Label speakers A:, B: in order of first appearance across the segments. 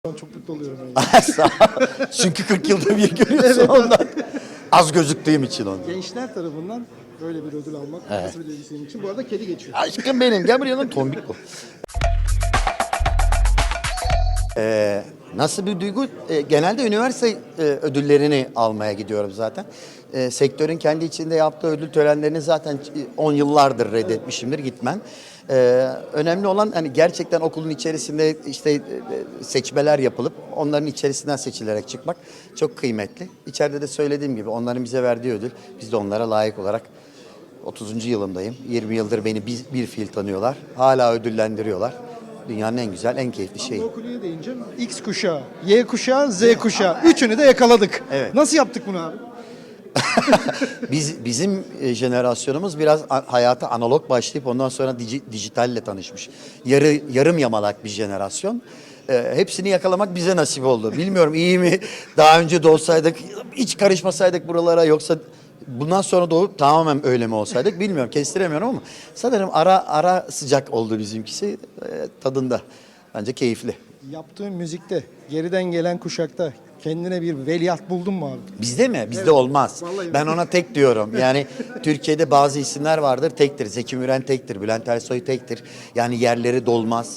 A: Ben çok mutlu oluyorum yani.
B: Sağ ol. Çünkü 40 yılda bir görüyorsun ondan. Az gözüktüğüm için onu.
A: Gençler tarafından böyle bir ödül almak nasıl bir duygu senin için? Bu arada kedi geçiyor.
B: Aşkım benim. Gel buraya lan, tombik bu. Nasıl bir duygu? Genelde üniversite ödüllerini almaya gidiyorum zaten. Sektörün kendi içinde yaptığı ödül törenlerini zaten 10 yıllardır reddetmişimdir, gitmem. Önemli olan hani gerçekten okulun içerisinde işte seçmeler yapılıp onların içerisinden seçilerek çıkmak çok kıymetli. İçeride de söylediğim gibi onların bize verdiği ödül, biz de onlara layık olarak 30. yılımdayım. 20 yıldır beni bir fiil tanıyorlar. Hala ödüllendiriyorlar. Dünyanın en güzel, en keyifli şeyi.
A: O konuya değince X kuşağı, Y kuşağı, Z kuşağı. Üçünü de yakaladık.
B: Evet.
A: Nasıl yaptık bunu abi?
B: Bizim jenerasyonumuz biraz hayata analog başlayıp ondan sonra dijitalle tanışmış. Yarım yamalak bir jenerasyon. Hepsini yakalamak bize nasip oldu. Bilmiyorum iyi mi? Daha önce de olsaydık, hiç karışmasaydık buralara, yoksa bundan sonra doğup tamamen öyle mi olsaydık bilmiyorum. Kestiremiyorum ama sanırım ara sıcak oldu bizimkisi. Tadında. Bence keyifli.
A: Yaptığın müzikte, geriden gelen kuşakta kendine bir veliaht buldun mu abi?
B: Bizde mi? Bizde olmaz.
A: Vallahi
B: Ben ona tek diyorum. Yani Türkiye'de bazı isimler vardır, tektir. Zeki Müren tektir, Bülent Ersoy tektir. Yani yerleri dolmaz.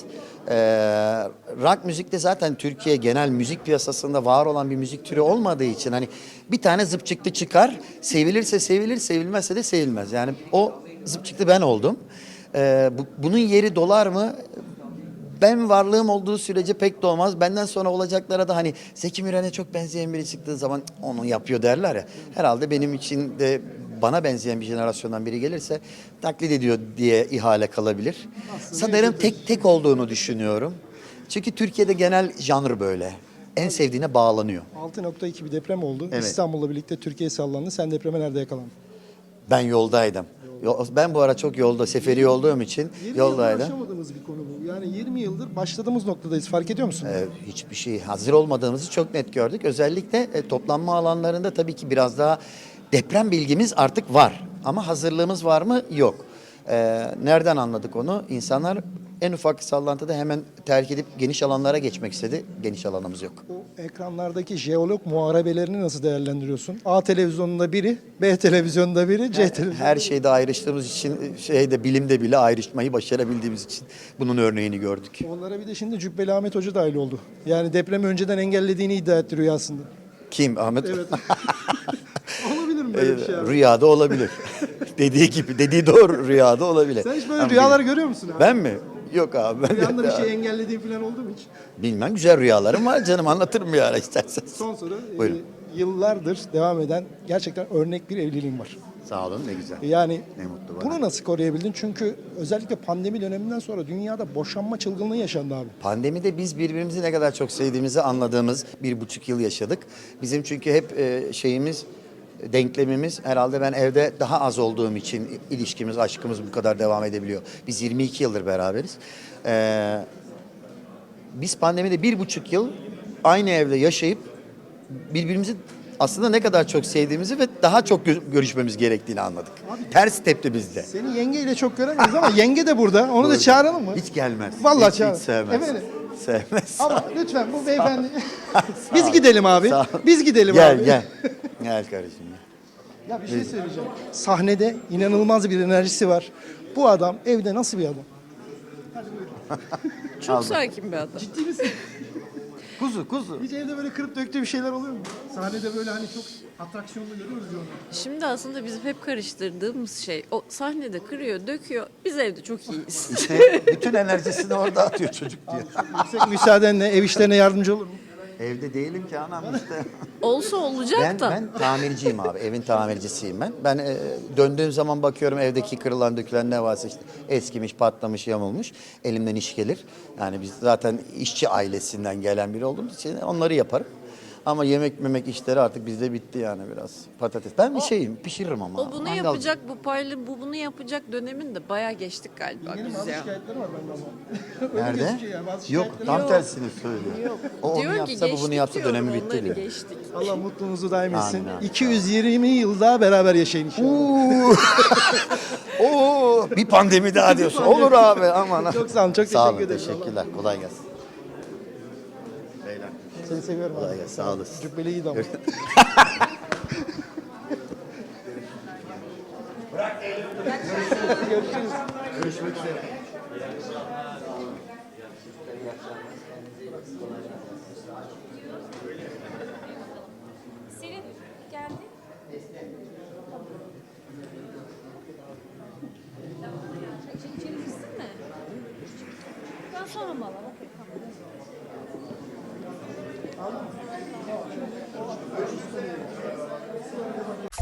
B: Rock müzikte zaten Türkiye genel müzik piyasasında var olan bir müzik türü olmadığı için hani bir tane zıp çıktı çıkar. Sevilirse sevilir, sevilmezse de sevilmez. Yani o zıp çıktı ben oldum. Bunun yeri dolar mı? Ben varlığım olduğu sürece pek de olmaz. Benden sonra olacaklara da hani Zeki Müren'e çok benzeyen biri çıktığı zaman onu yapıyor derler ya. Herhalde benim için de bana benzeyen bir jenerasyondan biri gelirse taklit ediyor diye ihale kalabilir. Sanırım tek olduğunu düşünüyorum. Çünkü Türkiye'de genel janr böyle. En sevdiğine bağlanıyor.
A: 6.2 bir deprem oldu.
B: Evet.
A: İstanbul'la birlikte Türkiye sallandı. Sen depreme nerede yakalandın?
B: Ben yoldaydım. Ben bu ara çok yolda, seferi olduğum için
A: 20
B: yoldaydım.
A: yıldır aşamadığımız bir konu bu. Yani 20 yıldır başladığımız noktadayız. Fark ediyor musun?
B: Hiçbir şey hazır olmadığımızı çok net gördük. Özellikle toplanma alanlarında tabii ki biraz daha deprem bilgimiz artık var. Ama hazırlığımız var mı? Yok. Nereden anladık onu? İnsanlar en ufak sallantıda hemen terk edip geniş alanlara geçmek istedi. Geniş alanımız yok.
A: O ekranlardaki jeolog muharebelerini nasıl değerlendiriyorsun? A televizyonunda biri, B televizyonunda biri, C televizyonunda
B: Her şeyde ayrıştığımız için, bilimde bile ayrışmayı başarabildiğimiz için bunun örneğini gördük.
A: Onlara bir de şimdi Cübbeli Ahmet Hoca dahil oldu. Yani depremi önceden engellediğini iddia etti rüyasında.
B: Kim? Ahmet?
A: Evet. Olabilir mi böyle bir şey abi?
B: Rüyada olabilir. Dediği gibi, dediği doğru, rüyada olabilir.
A: Sen hiç böyle
B: Ama
A: rüyalar görüyor musun abi?
B: Ben mi? Yok abi. Ben
A: Rüyanda bir şey engellediğin falan oldu mu hiç?
B: Bilmem, güzel rüyalarım var canım, anlatırım bir ara istersen.
A: Son soru.
B: Buyurun.
A: Yıllardır devam eden gerçekten örnek bir evliliğin var.
B: Sağ olun, ne güzel.
A: Yani
B: Ne mutlu bana.
A: bunu nasıl koruyabildin? Çünkü özellikle pandemi döneminden sonra dünyada boşanma çılgınlığı yaşandı abi.
B: Pandemide biz birbirimizi ne kadar çok sevdiğimizi anladığımız 1,5 yıl yaşadık. Bizim çünkü hep denklemimiz herhalde, ben evde daha az olduğum için ilişkimiz, aşkımız bu kadar devam edebiliyor. Biz 22 yıldır beraberiz. Biz pandemide 1,5 yıl aynı evde yaşayıp birbirimizi aslında ne kadar çok sevdiğimizi ve daha çok görüşmemiz gerektiğini anladık. Ters tepti bizde.
A: Seni yengeyle çok göremeyiz ama yenge de burada. Onu da çağıralım mı?
B: Hiç gelmez.
A: Vallahi
B: hiç
A: çağır.
B: sevmez.
A: Efendim?
B: Sevmez.
A: Ama lütfen bu beyefendi. Biz gidelim abi.
B: Sağ ol.
A: Biz gidelim
B: Gel
A: abi.
B: gel. Gel kardeşim.
A: Ya bir şey söyleyeceğim. Sahnede inanılmaz bir enerjisi var. Bu adam evde nasıl bir adam?
C: Çok sakin bir adam.
A: Ciddi misin?
B: Kuzu.
A: Hiç evde böyle kırıp döktüğü bir şeyler oluyor mu? Sahnede böyle hani çok atraksiyonlu görüyoruz ya onu.
C: Şimdi aslında bizim hep karıştırdığımız şey o sahnede kırıyor, döküyor. Biz evde çok iyiyiz.
B: İşte bütün enerjisini orada atıyor çocuk diyor.
A: Yüksek müsaadenle ev işlerine yardımcı olur mu?
B: Evde değilim ki anam işte.
C: Olsa olacak da.
B: Ben tamirciyim abi. Evin tamircisiyim ben. Ben döndüğüm zaman bakıyorum evdeki kırılan dökülen ne varsa işte eskimiş, patlamış, yamulmuş. Elimden iş gelir. Yani biz zaten işçi ailesinden gelen biri olduğumuz için onları yaparım. Ama yemek işleri artık bizde bitti yani biraz. Patates. Ben bir şeyim, pişiririm ama.
C: O bunu
B: Mangal.
C: yapacak, bu bunu yapacak dönemin de bayağı geçtik galiba
A: Yengenin
C: biz
A: bazı
C: ya.
A: şikayetleri var bende ama. Öyle
B: Nerede?
A: gözüküyor yani, bazı
B: Yok,
A: şikayetleri
B: tam
A: var.
B: tersini söylüyor. O onu
C: Diyor ki
B: yapsa, bu
C: geçtik
B: bunu yapsa
C: diyorum,
B: dönemi bitti
C: onları
B: diyor.
C: geçtik.
A: Allah mutluluğunuzu daim etsin.
B: Amin, amin.
A: 220 yıl daha beraber yaşayın inşallah.
B: Oo, bir pandemi daha diyorsun. Olur abi, aman.
A: Çok sağ olun, çok
B: Sağ olun,
A: teşekkür ederim.
B: teşekkürler. Kolay gelsin. Beyler.
A: Seni seviyorum
B: Kolay
A: abi.
B: gelsin, sağ olasın.
A: Cübbeli iyiydi ama. Görüşürüz.
B: Görüşmek üzere.
D: Selin geldi. İçeri girsin mi? Ben sonra mı alayım? Okey, tamam.